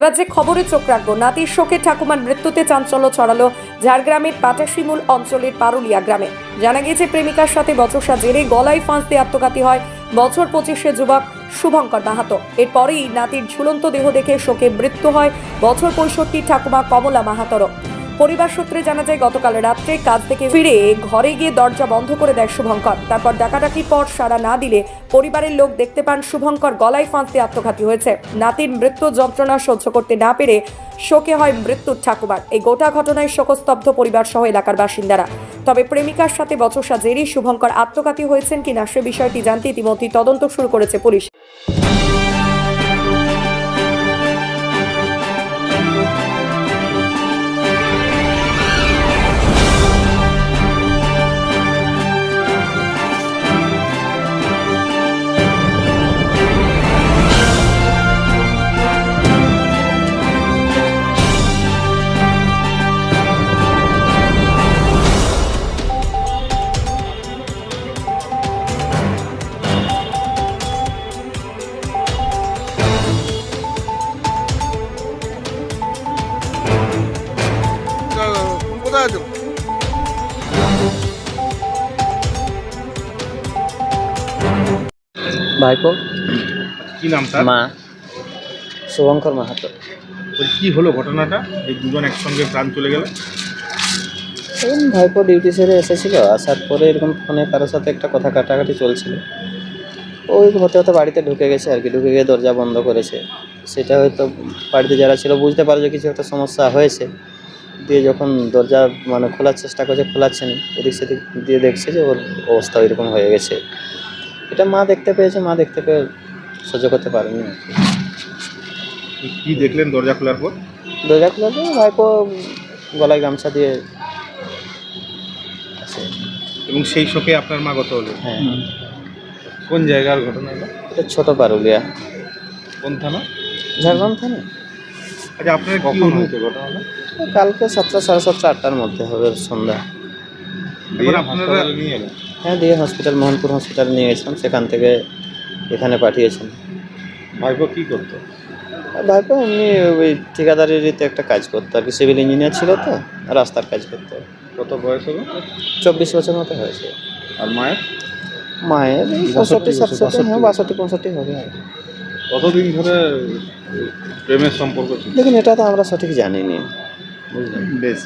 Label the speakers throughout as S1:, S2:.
S1: যে খবরে চোখ রাখবো, নাতির শোকে ঠাকুমার মৃত্যুতে চাঞ্চল্য ছড়ালো ঝাড়গ্রামের পাটাশিমুল অঞ্চলের পারুলিয়া গ্রামে। জানা গিয়েছে প্রেমিকার সাথে বচসা জেরে গলায় ফাঁস দিয়ে আত্মঘাতী হয় বছর 25-এর যুবক শুভঙ্কর মাহাতো। এরপরেই নাতির ঝুলন্ত দেহ দেখে শোকে মৃত্যু হয় বছর 65 ঠাকুমা কমলা মাহাতোর। পরিবার সূত্রে জানা যায় গতকাল রাত্রে কাজ থেকে ফিরে ঘরে গিয়ে দরজা বন্ধ করে দেয় শুভঙ্কর। তারপর ডাকাডাকির পর সাড়া না দিলে পরিবারের লোক দেখতে পান শুভঙ্কর গলায় ফাঁস দিয়ে আত্মঘাতী হয়েছে। নাতির মৃত্যু যন্ত্রণা সহ্য করতে না পেরে শোকে হয় মৃত্যুর ঠাকুমার। এই গোটা ঘটনায় শোকস্তব্ধ পরিবার সহ এলাকার বাসিন্দারা। তবে প্রেমিকার সাথে বচসা জেরে শুভঙ্কর আত্মঘাতী হয়েছেন কিনা সে বিষয়টি জানতে ইতিমধ্যেই তদন্ত শুরু করেছে পুলিশ।
S2: কোথায় আছো?
S3: ভাইপো
S2: কি নাম তার?
S3: মা শুভঙ্কর মাহাতো।
S2: কি হলো ঘটনাটা, এই দুজন একসঙ্গে প্রাণ চলে গেল?
S3: ভাইপো ডিউটি সেরে এসেছিল, আসার পরে এরকম ফোনে কারোর সাথে একটা কথা কাটাকাটি চলছিল। ওই হতে হতে বাড়িতে ঢুকে গেছে আর কি, ঢুকে গিয়ে দরজা বন্ধ করেছে। সেটা হয়তো বাড়িতে যারা ছিল বুঝতে পারে যে কিছু একটা সমস্যা হয়েছে, দিয়ে যখন দরজা খোলার চেষ্টা করছে, খোলাচ্ছে না, এদিক সেদিক দিয়ে দেখছে যে ওর অবস্থা ওইরকম হয়ে গেছে। এটা মা দেখতে পেয়েছে, মা দেখতে পেয়ে সহ্য করতে পারেনি আর কি।
S2: কি দেখলেন দরজা খোলার পর?
S3: দরজা খোলার পর ভাইপো গলায় গামছা দিয়ে আছে।
S2: এবং সেই শোকে আপনার মা গত হলো?
S3: হ্যাঁ।
S2: কোন জায়গার ঘটনা হলো?
S3: এটা ছোট পারুলিয়া,
S2: কোন থানা?
S3: ঝাড়গ্রাম থানা।
S2: আচ্ছা, আপনার কখন হয়েছে ঘটনাটা?
S3: কালকে 7টা, 7:30, 8টার মধ্যে হবে সন্ধ্যা।
S2: এবার আপনারা নিয়ে এলেন?
S3: হ্যাঁ, দিয়ে হসপিটাল, মোহনপুর হসপিটাল নিয়ে গেছিলাম, সেখান থেকে এখানে পাঠিয়েছেন।
S2: ভাইপো কি করতো?
S3: ভাইপো এমনি ওই ঠিকাদারিতে একটা কাজ করতো আর কি, সিভিল ইঞ্জিনিয়ার ছিল তো, রাস্তার কাজ করতো।
S2: কত বয়স হলো?
S3: 24 বছর মতো হয়েছে।
S2: আর মায়ের?
S3: মায়ের 65, 67, হ্যাঁ 62, 65 হবে আর কি।
S2: কতদিন ধরে প্রেমের সম্পর্ক ছিল?
S3: দেখুন, এটা তো আমরা সঠিক জানিনি, বুঝলেন।
S2: বেশ।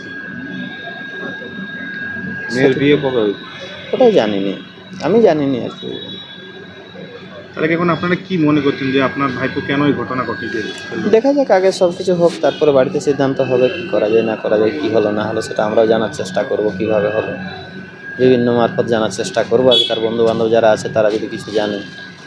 S2: মেয়ের বিয়ে কবে হয়েছে?
S3: ওটাই জানিনি, আমি জানিনি আর কি।
S2: তাহলে এখন আপনারা কি মনে করছেন যে আপনার ভাইপো কেন এই ঘটনা ঘটিয়েছে?
S3: দেখা যাক, আগে সব কিছু হোক, তারপরে বাড়িতে সিদ্ধান্ত হবে কি করা যায় না করা যায়, কি হলো না হলো সেটা আমরাও জানার চেষ্টা করব, কিভাবে হলো বিভিন্ন মারফত জানার চেষ্টা করবো আর কি। তার বন্ধু বান্ধব যারা আছে তারা যদি কিছু জানে।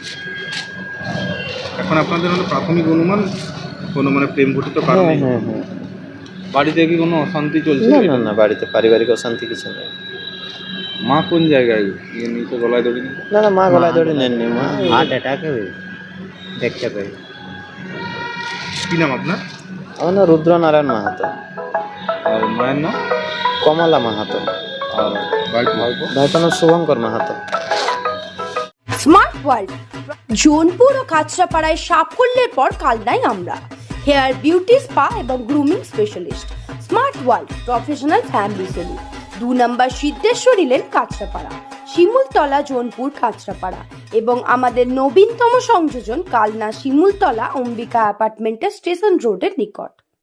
S2: এখন আপনাদের হলো প্রাথমিক অনুমান কোনো প্রেম ঘটিত
S3: হ্যাঁ
S2: কারণে?
S3: হ্যাঁ হ্যাঁ।
S2: বাড়িতে কি কোনো অশান্তি চলছে?
S3: না না না, বাড়িতে পারিবারিক অশান্তি কিছু নেই।
S2: মা কোন জায়গায় নিচে গলায় দড়ি নিয়ে?
S3: না না, মা গলায় দড়ি নেননি, মা
S4: হার্ট অ্যাটাকে দেখতে পাই।
S2: কি নাম আপনার?
S3: আমার নাম রুদ্রনারায়ণ মাহাতো।
S2: আর মায়ের নাম?
S3: কমলা মাহাতো।
S2: আর ভাইপো?
S3: ভাইপোর নাম শুভঙ্কর মাহাতো।
S5: স্মার্ট ওয়ার্ল্ড জোনপুর ও কাঁচরাপাড়ায় সাফল্যের পর কালনায় আমরা হেয়ার বিউটি স্পা এবং grooming specialist. Smart World professional family salon, 2 নম্বর সিদ্ধেশ্বরী লেন, কাঁচরাপাড়া, শিমুলতলা, জোনপুর, কাঁচরাপাড়া এবং আমাদের নবীনতম সংযোজন কালনা শিমুলতলা অম্বিকা অ্যাপার্টমেন্টের স্টেশন রোডের নিকট।